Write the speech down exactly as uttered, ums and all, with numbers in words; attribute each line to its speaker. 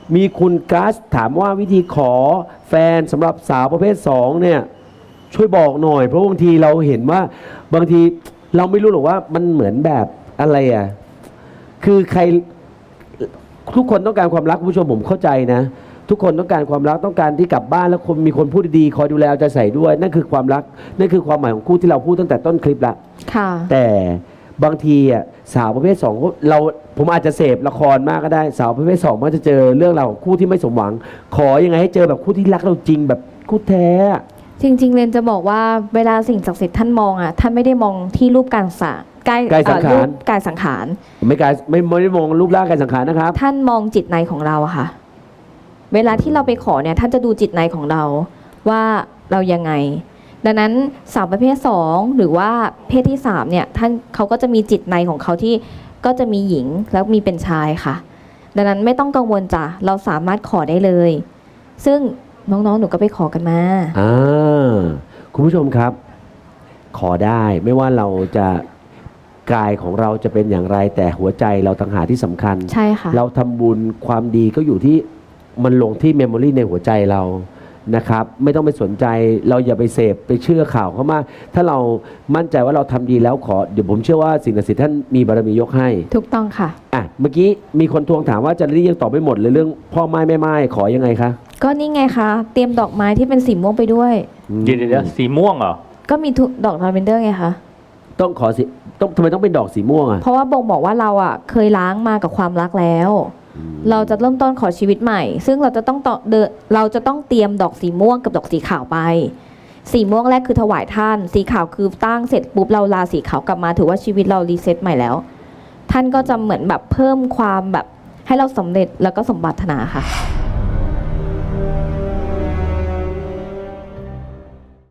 Speaker 1: มีคุณกัสถามว่าวิธีขอแฟนสำหรับสาวประเภทสองเนี่ยช่วยบอกหน่อยเพราะบางทีเราเห็นว่าบางทีเราไม่รู้หรอกว่ามันเหมือนแบบอะไรอ่ะคือใครทุกคนต้องการความรักคุณผู้ชมผมเข้าใจนะทุกคนต้องการความรักต้องการที่กลับบ้านแล้วคนมีคนพูดดีๆคอยดูแลเอาใจใส่ด้วยนั่นคือความรักนั่นคือความหมายของคู่ที่เราพูดตั้งแต่ต้นคลิปละ
Speaker 2: ค่ะ
Speaker 1: แต่บางทีอ่ะสาวประเภทสองเราผมอาจจะเสพละครมากก็ได้สาวประเภทสองมันจะเจอเรื่องราวของคู่ที่ไม่สมหวังขอยังไงให้เจอแบบคู่ที่รักเราจริงแบบคู่แท้
Speaker 2: จริงๆเรนจะบอกว่าเวลาสิ่งศักดิ์สิทธิ์ท่านมองอ่ะท่านไม่ได้มองที่รูปการสังกาย
Speaker 1: กายสังขาร
Speaker 2: กายสังขาร
Speaker 1: ไม่กายไม่ไม่ได้มองรูปร่างกายสังขารนะครับ
Speaker 2: ท่านมองจิตในของเราอะค่ะเวลาที่เราไปขอเนี่ยท่านจะดูจิตในของเราว่าเรายังไงดังนั้นสาวประเภทสองหรือว่าเพศที่สามเนี่ยท่านเขาก็จะมีจิตในของเขาที่ก็จะมีหญิงแล้วมีเป็นชายค่ะดังนั้นไม่ต้องกังวลจ้ะเราสามารถขอได้เลยซึ่งน้องๆหนูก็ไปขอกันมา
Speaker 1: อ่าคุณผู้ชมครับขอได้ไม่ว่าเราจะกายของเราจะเป็นอย่างไรแต่หัวใจเราต่างหากที่สำคัญ
Speaker 2: ใช่ค่ะ
Speaker 1: เราทำบุญความดีก็อยู่ที่มันลงที่เมมโมรีในหัวใจเรานะครับไม่ต้องไปสนใจเราอย่าไปเสพไปเชื่อข่าวเขามากถ้าเรามั่นใจว่าเราทำดีแล้วขอเดี๋ยวผมเชื่อว่าสิ่งศักดิ์สิทธิ์ท่านมีบารมียกให้
Speaker 2: ถูกต้องค่ะ
Speaker 1: อ่ะเมื่อกี้มีคนทวงถามว่าอาจารย์ลิลลี่ยังตอบไม่หมดเลยเรื่องพ่อไม้แม่ไม้ขอยังไงคะ
Speaker 2: ก็นี่ไงคะเตรียมดอกไม้ที่เป็นสีม่วงไปด้วย
Speaker 3: เดี๋ยวเดี๋ยวสีม่วงเหรอ
Speaker 2: ก็มีดอกลาเวนเดอร์ไงคะ
Speaker 1: ต้องขอสิต้องทำไมต้องเป็นดอกสีม่วงอ่ะ
Speaker 2: เพราะว่าบ่งบอกว่าเราอ่ะเคยล้างมากับความรักแล้วเราจะเริ่มต้นขอชีวิตใหม่ซึ่งเราจะต้องต่อเดเราจะต้องเตรียมดอกสีม่วงกับดอกสีขาวไปสีม่วงแรกคือถวายท่านสีขาวคือตั้งเสร็จปุ๊บเราลาสีขาวกลับมาถือว่าชีวิตเรารีเซ็ตใหม่แล้วท่านก็จะเหมือนแบบเพิ่มความแบบให้เราสำเร็จแล้วก็สมปรารถนาค่ะ